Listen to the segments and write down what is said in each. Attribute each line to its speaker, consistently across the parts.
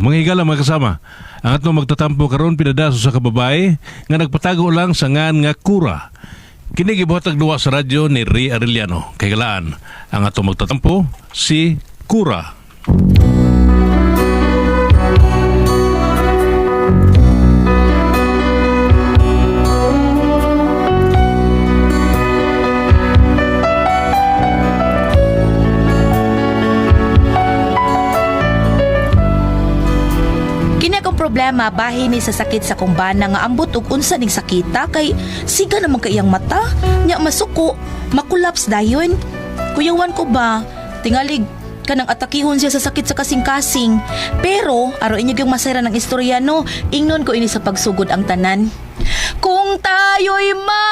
Speaker 1: Mga higala mga kasama, ang atong magtatampo karon pinadaso sa kababae nga nagpatago lang sa ngan nga Kura. Kini gibuhatag duwa sa radyo ni Ray Arellano. Kay galaan, ang atong magtatampo si Kura.
Speaker 2: Problema bahin ni sa sakit sa kumbana nga ambot ug unsa ning sakita kay siga naman kay iyang mata nya masuko makulaps dayon. Kuyawan ko ba tingalig kanang atakihon siya sa sakit sa kasing-kasing, pero aro inyo yung masayra ng istorya no, ingnon ko ini sa pagsugod ang tanan. Kung tayo'y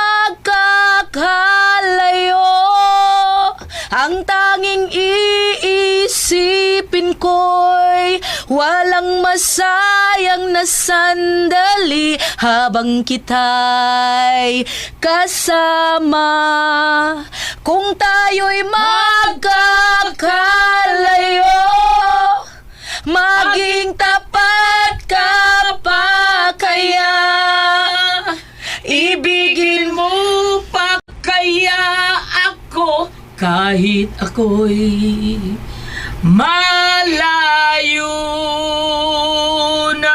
Speaker 2: magkakalayo, ang tanging iisipin ko'y walang masayang na sandali habang kita'y kasama. Kung tayo'y magkakalayo, maging tapat ka pa kaya, ibigin mo pa kaya ako kahit ako'y malayo na.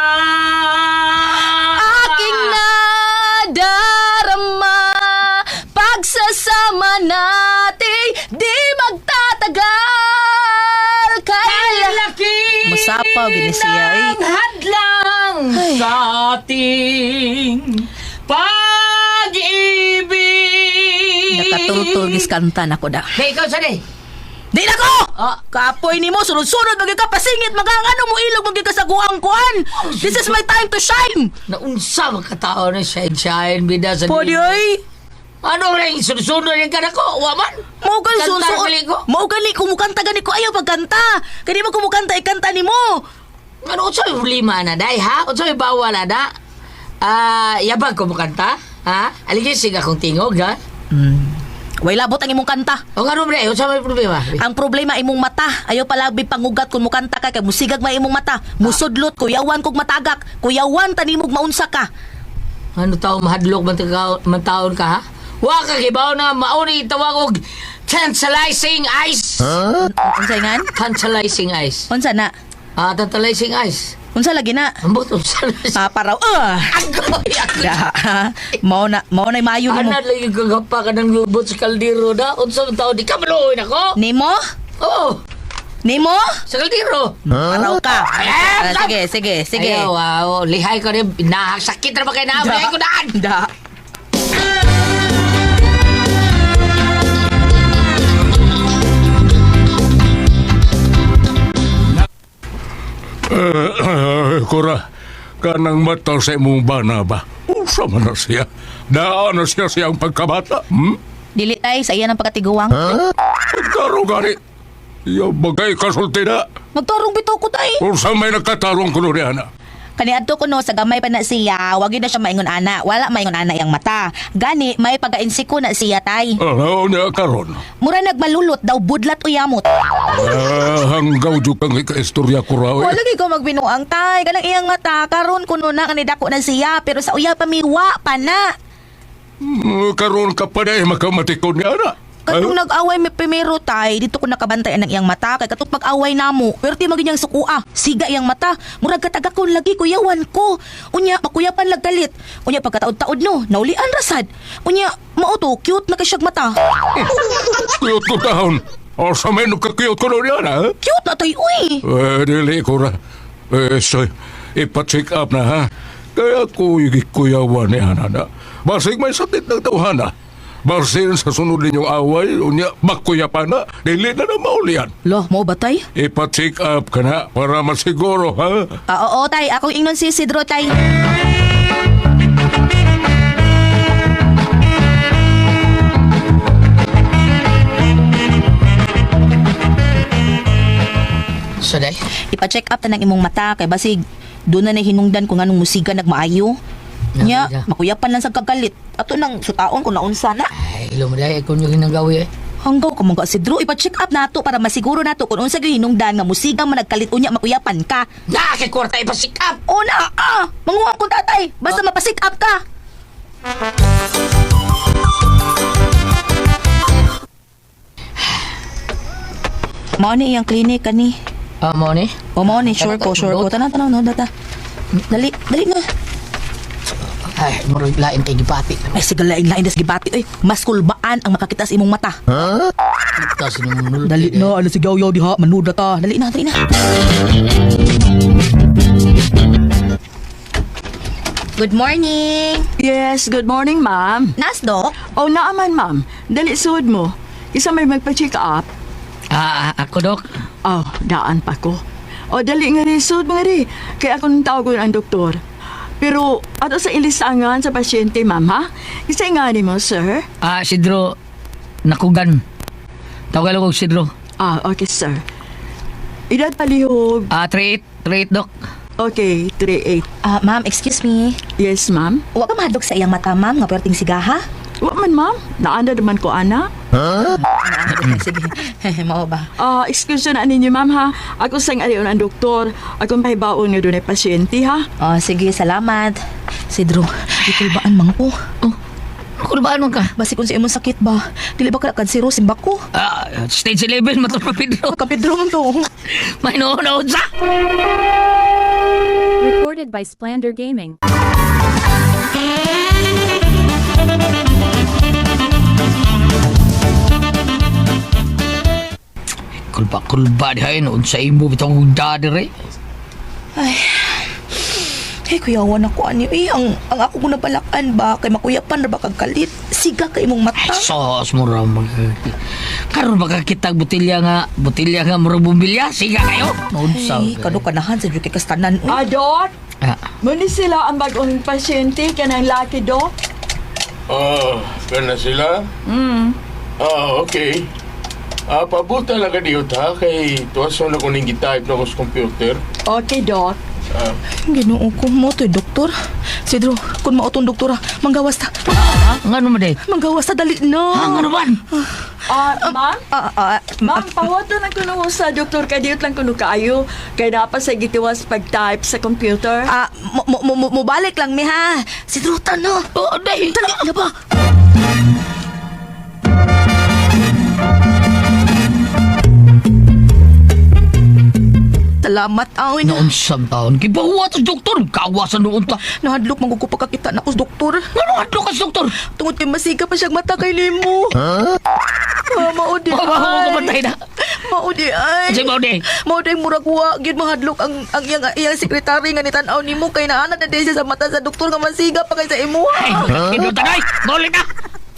Speaker 2: Aking nadarama, pagsasama natin di magtatagal. Kaya laki masapaw gini siya ay hadlang sa ating pag-ibig. Nakatultulgis kanta na ko da.
Speaker 3: Hey, ikaw saan
Speaker 2: Di na ko! Kapoy ni mo, sunod-sunod, magkakapasingit, magkakano mo ilog, magkakasaguang kuan. This is my time to shine.
Speaker 3: Naunsa magkatao na shine, bida sa
Speaker 2: Pwede ay.
Speaker 3: Ano rin, sunod-sunod yung ka na ko, waman?
Speaker 2: Maugan
Speaker 3: Kanta
Speaker 2: sunod.
Speaker 3: gali ko.
Speaker 2: Maugan ni, kumukanta gani ko, ayaw pagkanta. Kaya mo kumukanta, ikanta ni mo.
Speaker 3: Ano, unsa yung problema na, day, ha? Unsa yung bawal na, da? Yabag ko makanta, ha? Aligisig akong tingog, ha?
Speaker 2: Way labot ang imong kanta.
Speaker 3: O nga rin, unsa yung problema?
Speaker 2: Ang problema imong mata. Ayaw palabi pangugat kung mukanta ka, kay musigag may imong mata. Musudlot, kuyawan kog matagak. Kuyawan, tanimog maunsa ka.
Speaker 3: Ano tao mahadlok man taon ka, ha? Wa ka kibaw na mauni tawag og tantalizing eyes.
Speaker 2: Unsa ngan?
Speaker 3: Tantalizing eyes.
Speaker 2: Unsa na?
Speaker 3: Tantalizing eyes.
Speaker 2: Unsa lagi na?
Speaker 3: Ambot unsa na siya.
Speaker 2: Paraw.
Speaker 3: Agoy.
Speaker 2: Da. Mao na mayo nimo.
Speaker 3: Ana lagi kagapa ka ng lubot sa kaldero da. Unsa man tao di ka maluoy nako?
Speaker 2: Nimo?
Speaker 3: Oo.
Speaker 2: Nimo?
Speaker 3: Sa kaldero.
Speaker 2: Paraw ka. Sige.
Speaker 3: Ayaw, wow. Lihay ko rin. Sakit na ba kayo na? Lihay ko daan.
Speaker 2: Da.
Speaker 1: Kura, kanang mata sa imong bana ba? Usa man na siya. Daan na siya siyang pagkabata.
Speaker 2: Dili tay sa iya ng pagkatiguang.
Speaker 1: Pagtarong gani. Iya bagay kasulti na.
Speaker 2: Magtarong bitaw ko tay.
Speaker 1: Usa may nagkatarong kuno niya na.
Speaker 2: Kaniadto ko no sa gamay pa na siya, wag na siya maingon ana. Wala maingon ana yang mata. Gani may pagainsiko na siya tay.
Speaker 1: Ano niya karon?
Speaker 2: Mura nagmalulot daw budlat o yamot.
Speaker 1: Hanggaw jud kang ikaistorya ko raw.
Speaker 2: Wala lagi ko magbinuang tay. Kanang iyang mata karon kuno na kanidako na siya pero sa uya pamiwa pa na.
Speaker 1: Karon ka pa na makamatikon niya na.
Speaker 2: Katong nag-away may primero tay, dito ko nakabantayan ng iyang mata kay katong pag-away namo. Pero di maginyang sukua, siga iyang mata. Murag katagakon lagi kuyawan ko. Unya makuyapan lagdalit. Unya pagkataod-taod no, naulian rasad. Unya mao to cute na kasyag mata.
Speaker 1: Cute ko taon. O sa may nagka-cute ko niya na.
Speaker 2: Cute na tay uy.
Speaker 1: Dili ko ra. So, ipa-check up na ha. Kaya ko kuyawan niya na. Basig may sakit ng tawhana. Barsin sa sunod ninyong away, unya makuya pa na, dili na na maulian.
Speaker 2: Lo, mo ba tay?
Speaker 1: Ipa-check up ka na para masiguro, ha?
Speaker 2: Oo tay, akong ingnon si Sidro tay.
Speaker 3: So, day?
Speaker 2: Ipa-check up ta ng imong mata kay basig doon na hinungdan kung anong musiga nagmaayo. Nya, makuyapan lang sa kagalit. Ato nang sutaon kung naunsa na.
Speaker 3: Ay, lumaday. Kung yung ginagawi eh.
Speaker 2: Hanggaw ka mga Sidro, ipa-check up nato para masiguro nato kung unsa gyud hinungdan nga musigang managkalit unya makuyapan ka.
Speaker 3: Kay kwarta ipasikap.
Speaker 2: Una, manguha ko tatay, basta mapasik up ka. Mao ni iyang klinik kani.
Speaker 3: Mo ni?
Speaker 2: O mao ni, sure ko. Tanan, no, data. Dali nga.
Speaker 3: Ay, murag lain kay gibati.
Speaker 2: Ay, sige lain das gibati. Uy, mas kulbaan ang makakita sa imong mata.
Speaker 3: Kasi nung nulot.
Speaker 2: Dali na, ano sigaw-yaw diha, manuda ta. Dali na. Good morning.
Speaker 4: Yes, good morning, ma'am.
Speaker 2: Nas, Dok?
Speaker 4: O, naaman, ma'am. Dali suod mo. Isa may magpa-check up.
Speaker 3: Ako, Dok.
Speaker 4: Oh, daan pa ko. O, dali nga rin, suod mo nga rin. Kaya ako nang tawag ang doktor. Pero, ato sa ilisangan sa pasyente, ma'am, ha? Isa nga ni mo, sir.
Speaker 3: Sidro, nakugan. Tawagal ko Sidro.
Speaker 4: Okay, sir. Edad palihog.
Speaker 3: 38, Dok.
Speaker 4: Okay, 38.
Speaker 2: Ma'am, excuse me.
Speaker 4: Yes, ma'am.
Speaker 2: Wa ka mahadlok sa iyang mata, ma'am, nga perting sigaha?
Speaker 4: Wa man, ma'am. Naanda naman ko, ana.
Speaker 2: Sige, mao ba?
Speaker 4: Excuse na ninyo, ma'am, ha? Ako sang ariyon ang doktor. Akong pahibaon nga doon ay pasyente, ha?
Speaker 2: Sige, salamat. Sidro, itulbaan man ko.
Speaker 3: Ako ba ano ka?
Speaker 2: Basi kung sa imong sakit ba, dili ba ka kansiro simbak ko?
Speaker 3: Stage 11, matulog pa Pedro.
Speaker 2: Kapidro man to.
Speaker 3: May noon sa.
Speaker 5: Recorded by Splander Gaming.
Speaker 3: Kulba dihay noon sa imo bitong dadere.
Speaker 2: Ay, kuyawan ako ani. Ang ako kung nabalakan ba, kay makuyapan na ba kagkalit? Siga ka imong mata.
Speaker 3: Sos mo ra karon baka kitag botelya nga murag bumbilya. Siga kayo. Noon sa.
Speaker 2: Ay, kano kanahan sa juki kastanan.
Speaker 4: Dok?
Speaker 3: Ah,
Speaker 4: Muna sila ang bagong pasyente kanang laki, Dok?
Speaker 1: Gana sila? Okay. Pabuta lang ka diyo ta, kay tuwason na kuning gitype na ko sa computer.
Speaker 4: Okay, Dok.
Speaker 2: Ginoo ko mo to'y doktor. Sidro, kung mautong doktora, manggawas ta.
Speaker 3: ngano mo day?
Speaker 2: Manggawas ta, dali na.
Speaker 3: Ngano man?
Speaker 4: Ma'am? Ma'am, pawato na kuno sa doktor kadiyot lang kuno kaayo. Kaya dapat sa gitiwas pag-type sa computer.
Speaker 2: Mo balik lang mi ha. Sidro, tano.
Speaker 3: Day.
Speaker 2: Dali na ba? Salamat, awin.
Speaker 3: Noon sa taon, gibawa sa doktor. Kawasan noon ta.
Speaker 2: Nahadlok magkukupakakita na ko sa doktor.
Speaker 3: Ngano adto ka sa doktor?
Speaker 2: Tungod kay masiga pa siyang mata kay Limo. Maudi
Speaker 3: Mamatay na.
Speaker 2: Maudi ay.
Speaker 3: Sige, Maudi.
Speaker 2: Maudi murag wa gid mahadlok ang iyang sekretary nga nitan-aw nimo kay naana na siya sa mata sa doktor nga masiga pa kay sa imo.
Speaker 3: Ay, kinutanay. Balik na.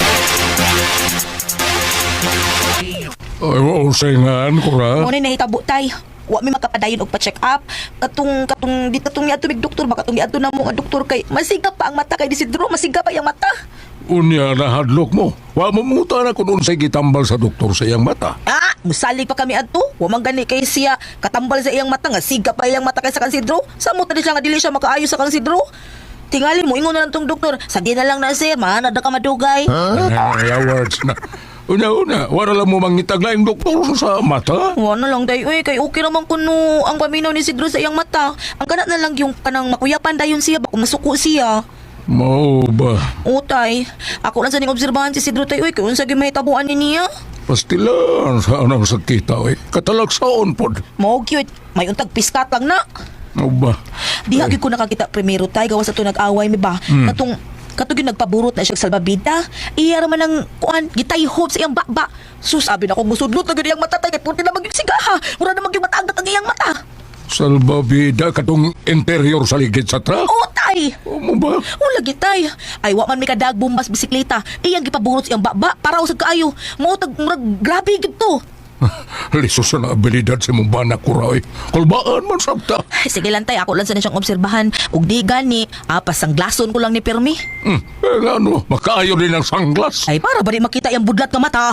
Speaker 1: Ay, usingan ko ra.
Speaker 2: Mo ni nahitabo tay. Wa mi makapadayon og pa-check up. Katong di katong niadto mig doktor, baka tong niadto na mo nga doktor kay masiga pa ang mata kay Isidro, masiga pa iyang mata.
Speaker 1: Unya na hadlok mo. Wa mamuta na kung unsay gitambal sa doktor sa iyang mata.
Speaker 2: Musalig pa kami adto. Wa man gani kay siya katambal sa iyang mata nga siga pa iyang mata kay sa Kansidro. Samo tani siya nga dili siya makaayo sa Kansidro. Tingali mo ingon na lang tong doktor. Sige na lang na sir, man ada ka madugay.
Speaker 1: Ay, words na. Una, wala lang mo mangitag laing doktor sa mata.
Speaker 2: Wa na lang day kay okay naman kuno ang paminaw ni Sidro sa iyang mata. Ang kana na lang yung kanang makuyapan dayon siya baka masuko siya.
Speaker 1: Mao ba?
Speaker 2: Utay, ako lang sa ning obserbahan si Sidro tay kay unsa gyud mahitabuan ni niya.
Speaker 1: Pastilan sa anang sakita, katalagsaon pod.
Speaker 2: Mao cute, may untag piskat lang na.
Speaker 1: Mao ba?
Speaker 2: Diha gyud ko nakakita primero tay gawas ato nag-away mi ba. Katong yung nagpaburot na siya salbabida. Iya raman ang kuan gitayhop sa iyang baba. Sus, sabi na kong musudlot na ganyang mata tay kay punti na magyug sigaha. Mura na magyug mataangat ang iyang mata.
Speaker 1: Salbabida katong interior sa ligid sa truck.
Speaker 2: Utay!
Speaker 1: Mo ba?
Speaker 2: Wala gitay. Ay, wa man may kadag bumbas bisikleta. Iyang gipaburot sa iyang baba para usag kaayo. Mautag murag grabe gito.
Speaker 1: Lisos na abilidad sa mong banak ko raw. Kulbaan man sabta.
Speaker 2: Sige lang tay, ako lang sa siyang obserbahan. Ug di gani, pasang glason ko lang ni Permi.
Speaker 1: Ano, makaayo din ang sanglas.
Speaker 2: Ay, para ba di makita yung budlat ka mata?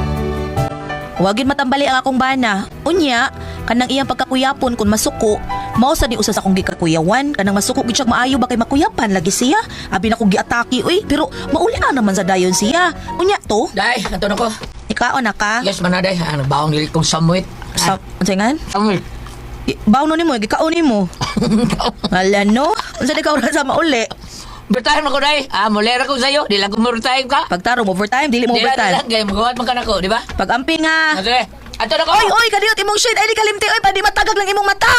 Speaker 2: Wagin matambali ang akong bana. Unya, kanang iyang pagkakuyapon kung masuko, Mao sa di usa sa akong gikakuyawan kanang masuko gid siya maayo ba kay makuyapan lagi siya. Abi na ko giatake oy, pero mauli na naman sa dayon siya. Unya to,
Speaker 3: Day, ato na ko.
Speaker 2: ikaw na ka.
Speaker 3: Yes, man na, day. Nagbaong dili kong samuit.
Speaker 2: Sa unsa
Speaker 3: Samuit.
Speaker 2: Bawo nimo, gikaon nimo. Hala no, unsa di ka ora sa mauli?
Speaker 3: Overtime ako, day. Mulera ko sa'yo. Di lang ko overtime ka.
Speaker 2: Pagtarong overtime, dili mo
Speaker 3: Di lang,
Speaker 2: overtime.
Speaker 3: gaya magawat man ka na ko, di ba?
Speaker 2: Pag-amping ha.
Speaker 3: Sige. Ato na ko.
Speaker 2: Oy, oy, kadiyot imong shade. Ay, di kalimti. Oy, padi matagag lang imong mata.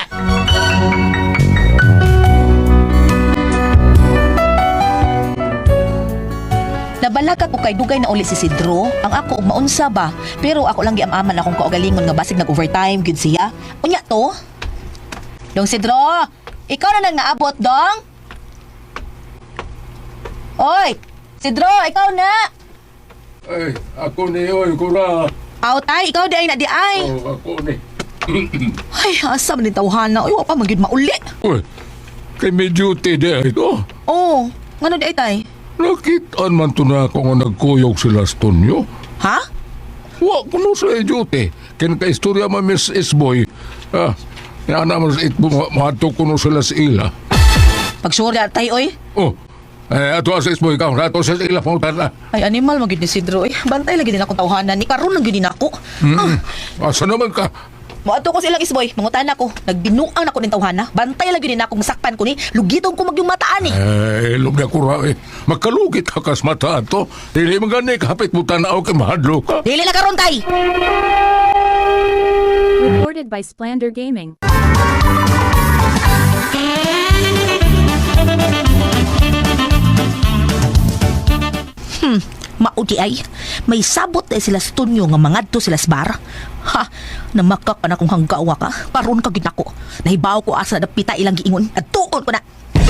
Speaker 2: Nabalaka ko kay dugay na uli si Sidro. Ang ako ug maunsa ba? Pero ako lang giamaman akong kaugalingon nga basig nag-overtime gyud siya. Unya to? Dong Sidro, ikaw na nang naabot, dong? Oy, Sidro, ikaw na.
Speaker 1: Ay, ako ni, oy, kura.
Speaker 2: Aw tay, ikaw di ay na di ay.
Speaker 1: Oh, ako ni.
Speaker 2: Ay, asa man ni tawhana. Uy, wa pa man gyud mauli.
Speaker 1: Uy, kay may duty di ito.
Speaker 2: Oh, ngano di ay tay?
Speaker 1: Nakitaan man to na ako nga nagkuyog sila sa tunyo.
Speaker 2: Ha?
Speaker 1: Wa ko no sa duty. Ken ka istorya ma Miss Isboy. Yan naman sa itbo, mahato ko no sila sa ila.
Speaker 2: Pagsurya tay oy.
Speaker 1: Oh, ato sa Isboy ka, ato sa ila, pangutan na.
Speaker 2: Ay, animal magid ni Sidro. Eh, bantay lagi din akong tawhanan. Ni karon lang gyud din ako.
Speaker 1: Asa naman ka?
Speaker 2: Moadto ko silang isboy, mangutan ako. Nagbinuang ako ning tawhana. Bantay lagi din ako masakpan ko ni. Lugitong ko magyung mataan ni.
Speaker 1: Ilog na kura eh. Magkalugit ka kas mata ato. Dili man gani kapit mo tanaw kay mahadlo ka.
Speaker 2: Dili na karon tay.
Speaker 5: Recorded by Splander Gaming.
Speaker 2: Maudi ay, may sabot na sila sa tunyo nga mangadto sila sa bar. Ha, namakak ka na kung hanggawa ka. Karon ka gid nako. Nahibaw ko asa na pita ilang giingon. At tuon ko na.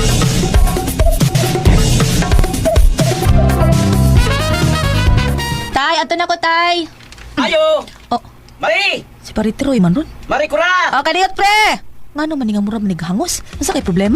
Speaker 2: Tay, ato na ko tay.
Speaker 6: Ayo!
Speaker 2: Oh,
Speaker 6: Mari!
Speaker 2: si Paritiroy man ron.
Speaker 6: Mari kura!
Speaker 2: Oh, kaniyot pre! Nga naman nga mura manighangos. Nasa kay problema?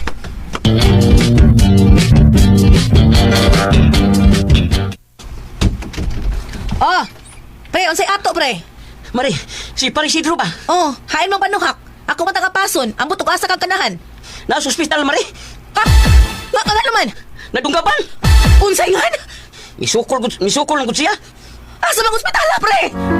Speaker 2: Oh, pre, unsay ato pre?
Speaker 6: Mari, si Parisidro ba?
Speaker 2: Oh, hain mong panuhak. Ako man tagapason. Ambot og asa kang kanahan.
Speaker 6: Nasa ospital, Mari.
Speaker 2: Ha? Nga naman?
Speaker 6: Nadunggapan.
Speaker 2: Unsay ngan?
Speaker 6: Misukol lang ko siya.
Speaker 2: Asa bang ospital pre?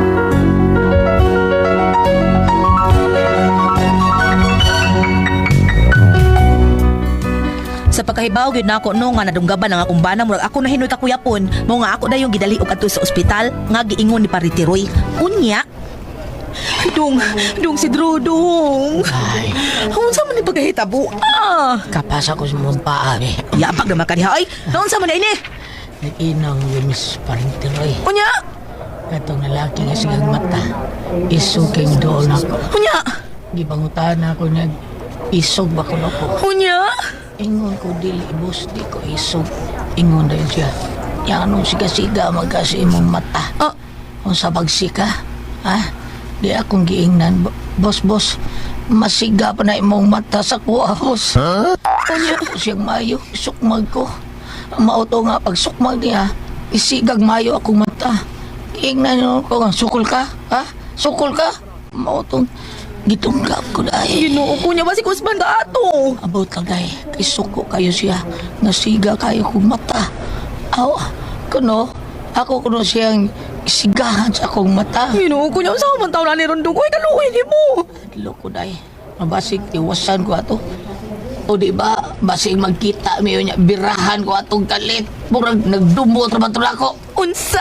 Speaker 2: Sa pagkahibaw gyud nako no nga nadunggaban ang akong bana murag ako na hinoy kakuyapon mo nga ako dayon gidali og adto sa ospital nga giingon ni Paritiroy. Unya Dong si Drodong.
Speaker 3: Ay,
Speaker 2: Unsa man ni pagkahitabo? Ah,
Speaker 3: kapas ako sa mong paa, eh.
Speaker 2: yabag naman kaniha ay. Unsa man na ini?
Speaker 3: Nag-inang yung Miss Parintiroy.
Speaker 2: Unya,
Speaker 3: Katong lalaki nga sigang mata. Isuking doon ako.
Speaker 2: unya,
Speaker 3: Gibangutan ako niya. Isog ba ko ako?
Speaker 2: unya.
Speaker 3: Ingon ko dili, boss, di ko isog. Ingon dahil siya. Yang anong siga-siga magkasi imong mata.
Speaker 2: Ah,
Speaker 3: Kung sa bagsika, ha? Di akong giingnan. Boss, masiga pa na imong mata sa kuha, boss.
Speaker 2: unya.
Speaker 3: Ako siyang mayo, isukmag ko. Mauto nga pag sukmag niya, isigag mayo akong mata. Giingnan nyo ko nga, sukol ka, ha? Sukol ka? Mautong gitunggap ko dahil.
Speaker 2: Ginoo ko niya ba si Kusman ka ato?
Speaker 3: About lang dahil, kay suko kayo siya. Nasiga kayo kong mata. Aw, kuno, ako kuno siyang isigahan sa akong mata.
Speaker 2: Ginoo ko niya sa man taon na ni Rondong. Uy, kaluoy ni mo.
Speaker 3: Loko dahil, mabasig iwasan ko ato. O di ba, basig magkita miyo niya, birahan ko atong galit. Murag nagdumbo trabatula ko.
Speaker 2: Unsa?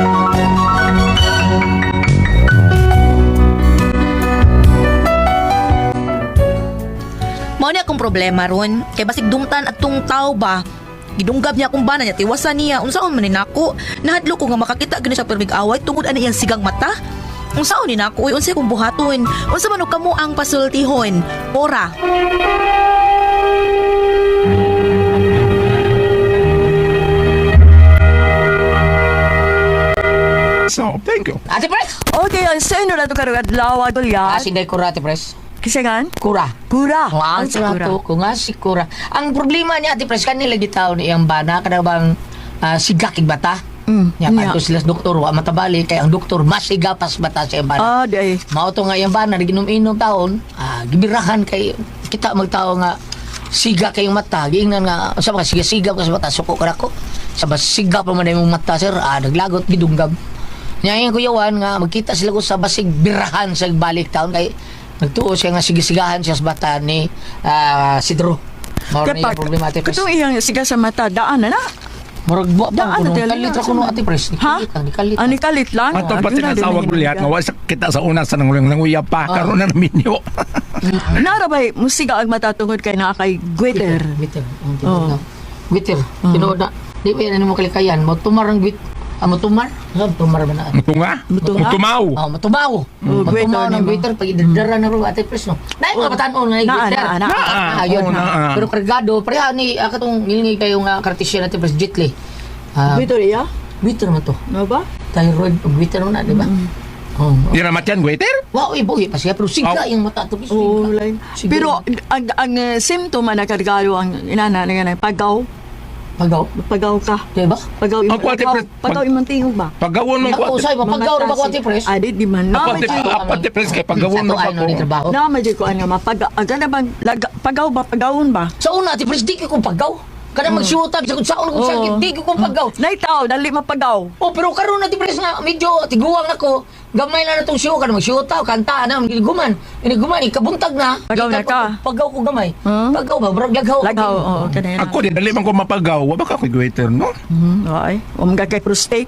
Speaker 2: Mao ni akong problema ron. Kay basig dumtan at tung tao ba? Gidunggab niya akong bana niya, tiwasan niya. Unsaon man ni nako? Nahadlo ko nga makakita gani sa permig away tungod ani iyang sigang mata. Unsaon ni nako? Uy, unsay kong buhaton? Unsa man og kamo ang pasultihon? Ora.
Speaker 1: So, thank you.
Speaker 3: Ate Pres!
Speaker 4: Okay, ang sino na ito karugad lawa dulya?
Speaker 3: Asin kura, Ate Pres.
Speaker 4: Kisangan?
Speaker 3: Kura.
Speaker 4: Kura.
Speaker 3: Ang
Speaker 4: Ang
Speaker 3: kura
Speaker 4: kura.
Speaker 3: to, kung nga si Kura. Ang problema niya, Ate Pres, kanila gitaw ni iyang bana, kada bang sigakig bata. Nya
Speaker 4: Nya.
Speaker 3: kanto sila sa doktor wa matabali kay ang doktor masigapas bata sa iyang bana.
Speaker 4: Day.
Speaker 3: Mao to nga iyang bana ginom-inom taon, gibirahan kay kita magtao nga siga kayong mata, giingnan nga sa mga siga-siga ka sa mata suko ka nako. Sa siga pa man imong mata sir, naglagot gidunggab. Nya yung kuyawan nga magkita sila ko sa basig birahan sa balik taon kay nagtuo siya nga sigisigahan siya sa bata ni Sidro. Mao na yung problematic.
Speaker 4: Katong iyang siga sa mata, daan na na.
Speaker 3: Murag buwa pa
Speaker 4: Daan
Speaker 3: kuno.
Speaker 4: na talaga.
Speaker 3: Kalit ra kuno ati pres.
Speaker 4: Ha?
Speaker 3: Nikalit.
Speaker 4: Nikalit lang.
Speaker 1: Ato
Speaker 4: Ah,
Speaker 1: pati
Speaker 4: yun na,
Speaker 1: na sa awag
Speaker 4: dili
Speaker 1: gulyat
Speaker 4: na-
Speaker 1: nga wa sa kita sa una sa nanguya pa karon na naminyo.
Speaker 4: Narabay, musiga ang mata tungod kay naa kay Gwitter.
Speaker 3: Bitter.
Speaker 4: Oh.
Speaker 3: Bitter. Tinood na. Di ba yan mo kalikayan? Mo tumar ang bit. Mo tumar? Saan tumar ba na?
Speaker 1: Mutunga?
Speaker 4: Mutunga?
Speaker 1: Mutumaw.
Speaker 3: Matubaw.
Speaker 4: Gwitter
Speaker 3: Matumaw ng
Speaker 4: nimo.
Speaker 3: bitter pag idadara na ro ate pres no. Nay mga batanon nga
Speaker 4: Na,
Speaker 3: bitter.
Speaker 4: na, na.
Speaker 3: Ayun
Speaker 1: Oo,
Speaker 3: na.
Speaker 1: na.
Speaker 3: Pero kargado, pareha ni katong nilingay kayo nga kartisya natin pres Jitli.
Speaker 4: Gwitter iya?
Speaker 3: Bitter man to.
Speaker 4: No ba?
Speaker 3: Thyroid pag bitter na, di ba? Oh.
Speaker 1: Di na matyan, waiter?
Speaker 3: Wow, ibuhi pa siya pero siga yung mata to pres.
Speaker 4: Oo,
Speaker 3: siga.
Speaker 4: lain.
Speaker 3: Sige.
Speaker 4: Pero ang symptoma na kargado ang inana nga pagaw.
Speaker 3: Pagaw.
Speaker 4: Pagaw ka.
Speaker 3: Di ba?
Speaker 4: Pagaw
Speaker 1: Ang kwate, pre-
Speaker 4: pagaw imong tingog ba?
Speaker 1: Pagawon mo
Speaker 3: Ako
Speaker 1: ko.
Speaker 3: usay mapagaw ra ba ko ati pres?
Speaker 4: Di man. Na
Speaker 1: Apante
Speaker 4: medyo
Speaker 1: apante pres kay pagawon mo
Speaker 3: Sa to, ano, ni
Speaker 1: ko.
Speaker 3: trabaho.
Speaker 4: na medyo ko nga mapagaw. Ano bang pagaw ba pagawon ba?
Speaker 3: Sa una, ati pres, di ko pagaw. Kada magsyuta, sa kung saan kung sakit, di ko pagaw.
Speaker 4: Naitaw, dali mapagaw.
Speaker 3: Oh, pero karon ati pres nga, medyo tiguang na ko. Gamay na itong show, kada magsyuta, kanta na, guman. Guman, ikabuntag na.
Speaker 4: Pagaw na ka.
Speaker 3: Pagaw ko gamay.
Speaker 4: Huh?
Speaker 3: Pagaw ba? Brag laghaw.
Speaker 4: Lagaw, oo, kanina.
Speaker 1: Ako di dali man ko mapagaw, wa ba ka koy waiter no?
Speaker 4: Ay, umga kay prostate.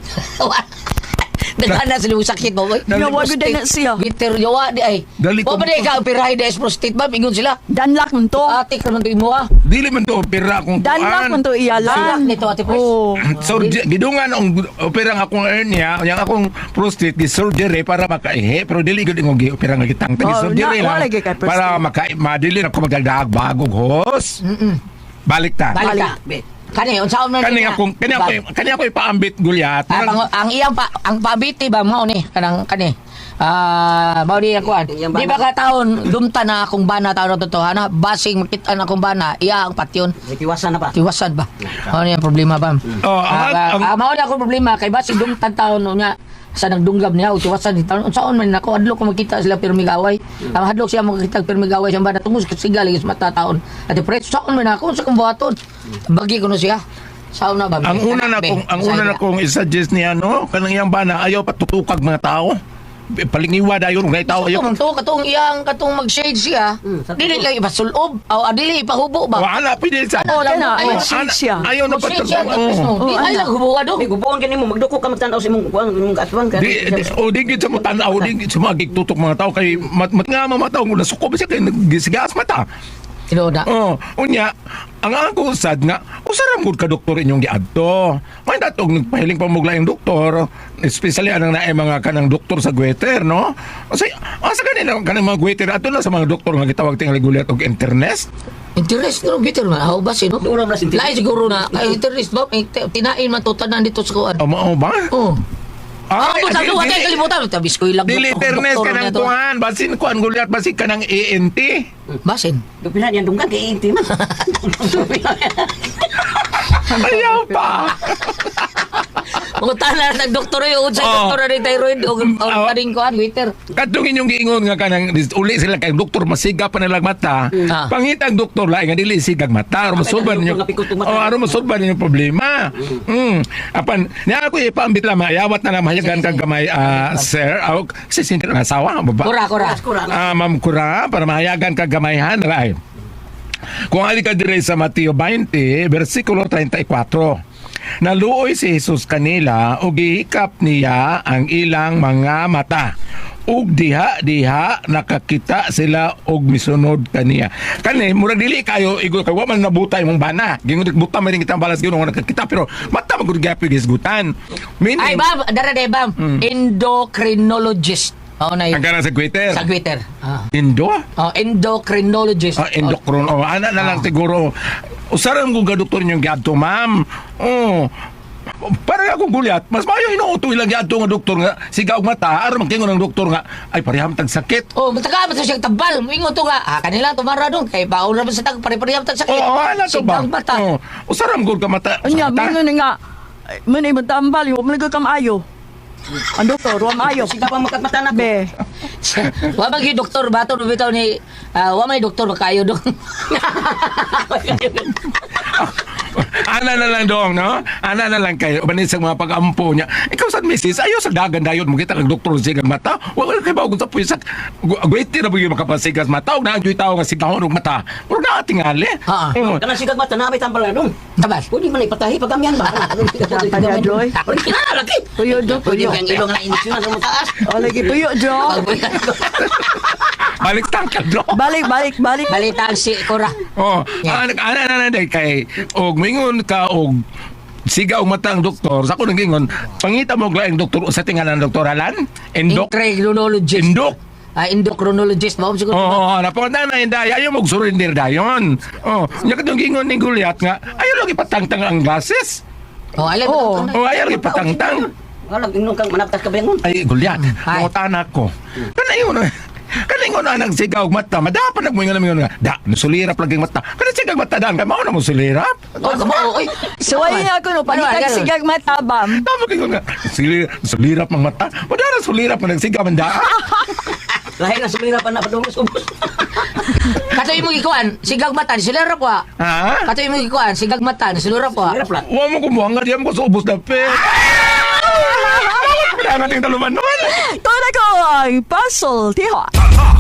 Speaker 3: Nagana sila yung sakit mo, boy.
Speaker 4: Yawa gud na siya.
Speaker 3: Bitter, yawa, di ay.
Speaker 1: Dali ko-
Speaker 3: O ba di ka, pirahay des prostate ba? Ingon sila.
Speaker 4: Danlak man to.
Speaker 3: Ate, karon to imo ah.
Speaker 1: Dili man to opera kung
Speaker 4: Danlak man to
Speaker 3: Silak
Speaker 4: iyalan.
Speaker 3: nito, ate pres.
Speaker 4: Oo.
Speaker 1: Gidungan ang opera nga akong hernia, yang akong prostate gi surgery para makaihe, pero dili gud ingong gi opera nga gitang gi
Speaker 4: Oh,
Speaker 1: surgery
Speaker 4: na-
Speaker 1: lang.
Speaker 4: wala gyud kay prostate.
Speaker 1: Para madili na ko magdagdag bagong hos. Balik ta.
Speaker 3: Balik ka. Kani, unsaon man
Speaker 1: Kani
Speaker 3: niya?
Speaker 1: ako ipaambit gulyat.
Speaker 3: Ang iyang ang pabiti ba mao ni kanang kani. Mao di ako. Di ba ka taon dumta na akong bana taon na totohana, basing makita na akong bana, iya ang patyon.
Speaker 6: Iwasan na ba?
Speaker 3: Tiwasan ba? Mao ni ang problema ba?
Speaker 1: Oh,
Speaker 3: Mao ni ako problema kay basing dumta taon niya sa nagdunggab niya utiwasan ni taon unsaon man nako adlok ko makita sila pirmigaway ang hadlok siya makita pirmigaway sa bana tungos kasigal is mata taon at preso saon man ako sa kumbuhaton bagi ko no siya saon na ba
Speaker 1: Ang una na kong i-suggest niya no, kanang iyang bana ayaw patutukag mga tao. Palingiwa dayon ng tao ayaw.
Speaker 3: katong iyang katong mag-shade siya dili lang ipasulob o dili ipahubo ba
Speaker 1: Wala pwede sa.
Speaker 3: Ano lang
Speaker 4: Kana,
Speaker 3: ay
Speaker 4: ay, shade siya.
Speaker 1: Ayaw na
Speaker 3: mag-shade siya
Speaker 1: patutukag.
Speaker 3: di ay lang hubuga do
Speaker 6: May gubuan ka nimo magduko ka magtanaw sa imong kuan imong kaatwan ka.
Speaker 1: Di gid sa mo tanaw, di gid sa mga gigtutok mga tao kay nga mga tao na suko ba siya kay nagisigas mata.
Speaker 3: Tinoda
Speaker 1: Oh, unya ang ako sad nga usaram gud ka doktor inyong giadto. May datog nagpahiling pamugla yung doktor, especially anang naay mga kanang doktor sa Gweter, no? Kasi asa kanila kanang mga Gweter ato na sa mga doktor nga gitawag tingali gulat og internet.
Speaker 3: interest no bitter man how ba sino
Speaker 6: Dura na sinti.
Speaker 3: lain siguro na ay interest ba may tinain man to tanan dito sa kuan
Speaker 1: Mao ba?
Speaker 3: oh
Speaker 1: Ay,
Speaker 3: sa luwa tayo kalimutan. Tabis ko ilang
Speaker 1: Dili internet
Speaker 3: doktor
Speaker 1: kanang
Speaker 3: na to.
Speaker 1: kuan, basin kuan gulat basin kanang ENT.
Speaker 3: Basin.
Speaker 6: Dupila yan dunggan kay inti man.
Speaker 1: Ayaw pa.
Speaker 3: Mga tanan ng doktor yung sa
Speaker 1: Oh.
Speaker 3: doktor na thyroid o kaning kuan waiter.
Speaker 1: Kadtong inyong giingon nga kanang uli sila kay doktor masiga pa nilang mata.
Speaker 3: Ah.
Speaker 1: Pangitang doktor lain nga dili sigag mata aron masulban ninyo.
Speaker 6: doktor nga pikot yung mata.
Speaker 1: Oh, aron masulban ninyo problema. Apan niya ako ipaambit lang ayawat na lang mahayagan kang gamay sir. Kasi sinti na asawa baba.
Speaker 3: Kura.
Speaker 1: Ma'am Kura para mahayagan kang gamayhan lain. Kung ali ka dire sa Mateo 20 versikulo 34. Naluoy si Jesus kanila ug gihikap niya ang ilang mga mata. Ug diha nakakita sila og misunod kaniya. Kani murag dili kayo igol kay wa man nabutay mong bana. Gingon buta man kitang balas gyud nga nakakita pero mata magud gyapon gisgutan.
Speaker 3: Ay bam, dara de bam. Endocrinologist. Mao na
Speaker 1: Ang
Speaker 3: yun.
Speaker 1: kana sa Twitter.
Speaker 3: Sa Twitter.
Speaker 1: Indo?
Speaker 3: Endocrinologist.
Speaker 1: Endokron. Ana na lang siguro. Usaram kong doktor niyong giadto, ma'am. Oh. Para akong gulyat, mas mayo inuuto ilang giadto nga doktor nga sigaw mata aron magkingon ng doktor nga ay pareham tag sakit.
Speaker 3: Oh, mataka ba siya tabal? Ingon to nga. Kanila tumara dong kay baon ra man sa tag pare-pareham tag sakit.
Speaker 1: Oh, ana to ba?
Speaker 3: Sigang mata.
Speaker 1: Oh. Usaram gud ka mata.
Speaker 4: Anya,
Speaker 1: sa mata.
Speaker 4: mingon nga, Muna mo tambal, yung malagay kamayo. Ang doktor, huwag maayo.
Speaker 6: Sige pa magkatmata na ko.
Speaker 4: Be,
Speaker 3: Wa man gyud doktor bato no bitaw ni wa man doktor ba kayo dong.
Speaker 1: Ana na lang dong, no? Ana na lang kayo. Banin sa mga pag-ampo niya. Ikaw sa misis, ayaw sa dagan dayon mo kita ng doktor sa sigang mata. Wala kayo ba kung sa puwisak. Gwete na ba yung makapasigas mata? Huwag na ang tao nga sigahon ng mata. Huwag na atingali.
Speaker 3: Ha.
Speaker 6: Kana sigag mata na may tambal na dong.
Speaker 3: Tabas.
Speaker 6: Pwede man ipatahi pagamian ba?
Speaker 4: Dapat niya, Joy.
Speaker 6: Pwede na laki.
Speaker 4: puyo, do,
Speaker 6: Pwede
Speaker 4: puyo.
Speaker 6: kang ilong na inisyon sa mataas.
Speaker 4: O, lagi puyo, Jo.
Speaker 1: Balik tangkad, no?
Speaker 4: Balik.
Speaker 3: Balitaan si Cora.
Speaker 1: Oh, ana na day kay og mingon ka og siga og matang doktor sa ko ngingon pangita mo laing doktor sa tingalan doktor Alan endok
Speaker 3: Endocrinologist.
Speaker 1: endok
Speaker 3: Endocrinologist mo siguro.
Speaker 1: oh napangita na inday ayo mo surrender dayon oh nya kadong gingon ni Goliath nga ayo lagi patangtang ang gases
Speaker 3: Oh, alam
Speaker 4: Oh.
Speaker 3: mo.
Speaker 1: oh ayo lagi patangtang
Speaker 6: Wala inong kang manaptas ka ba yan?
Speaker 1: ay Goliath
Speaker 3: Ay.
Speaker 1: nangutan ako kanayon kaningon na nang sigaw og mata madapan nagmoingon nga da sulirap lagi ang mata kana sigaw mata dan kay mao na mo sulirap
Speaker 3: Oh, kamo oy.
Speaker 4: Suway niya ako no, panitag sigag matabam.
Speaker 1: tama kay nga sulirap ang mata madara sulirap man nagsigaw man da
Speaker 6: Lahi na sumira pa na padungos-ubos.
Speaker 3: Katoy mo gikuan, sigag mata ni silera po.
Speaker 1: ha
Speaker 3: Katoy mo gikuan, sigag mata ni silera po.
Speaker 6: Hirap lang.
Speaker 1: wa mo kumuha nga diyan ko sa ubos na pe kaya nating taluman nun
Speaker 4: Ito na ko ang puzzle, tiho.